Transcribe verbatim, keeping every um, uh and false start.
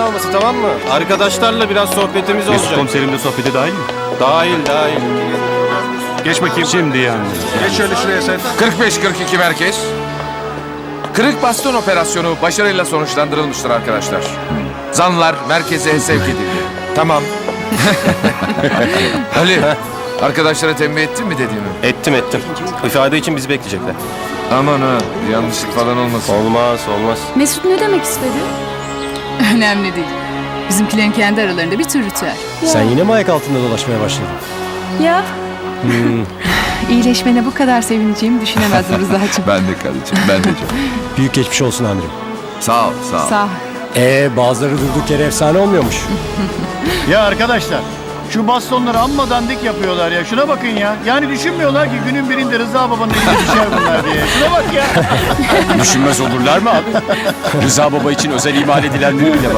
alması, tamam mı? Arkadaşlarla biraz sohbetimiz Mesut olacak. komiserim de sohbete dahil mi? Dahil dahil. Geç bakayım. Şimdi yani. Geç şöyle şuraya sen. kırk beş kırk iki merkez. Kırık baston operasyonu başarıyla sonuçlandırılmıştır arkadaşlar. Zanlılar merkeze sevk edildi. Tamam. Ali, arkadaşlara tembih ettin mi dediğimi? Ettim ettim. İfade için bizi bekleyecekler. Aman ha, yanlışlık falan olmasın. Olmaz olmaz. Mesut ne demek istedi? Önemli değil. Bizimkilerin kendi aralarında bir tür ritüel. Sen yine mi ayak altında dolaşmaya başladın? Ya İyileşmene bu kadar sevineceğimi düşünemezdim Rıza'cığım. Ben de karıcığım, ben de canım. Büyük geçmiş olsun amirim. Sağ ol, sağ ol. Sağ ol. Ee bazıları durduk yere efsane olmuyormuş. Ya arkadaşlar şu bastonları amma dandik yapıyorlar ya. Şuna bakın ya. Yani düşünmüyorlar ki günün birinde Rıza babanın eline düşer bunlar diye. Şuna bak ya. Düşünmez olurlar mı abi? Rıza Baba için özel imal edilenleri bile var.